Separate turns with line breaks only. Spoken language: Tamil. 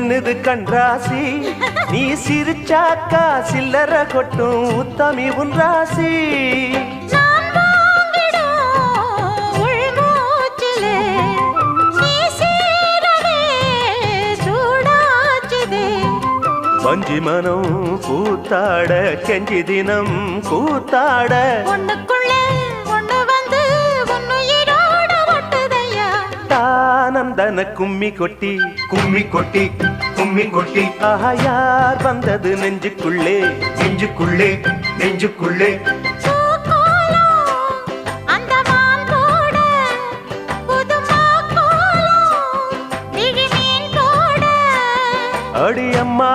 மின்னுது கண்ராசி நீ சிரிச்சாக்கா சில்லற கொட்டும் உத்தமி உன் ராசி வஞ்சி மனம் கூத்தாட கெஞ்சி தினம் கூத்தாட
ஒண்ணுக்குள்ளே ஒண்ணு வந்து உன்னுயிரோட ஒட்டுதையா
தானந்தன கும்மி கொட்டி
கும்மி கொட்டி கும்மி கொட்டி
ஆஹா யார் வந்தது நெஞ்சுக்குள்ளே
நெஞ்சுக்குள்ளே நெஞ்சுக்குள்ளே
அடி அம்மா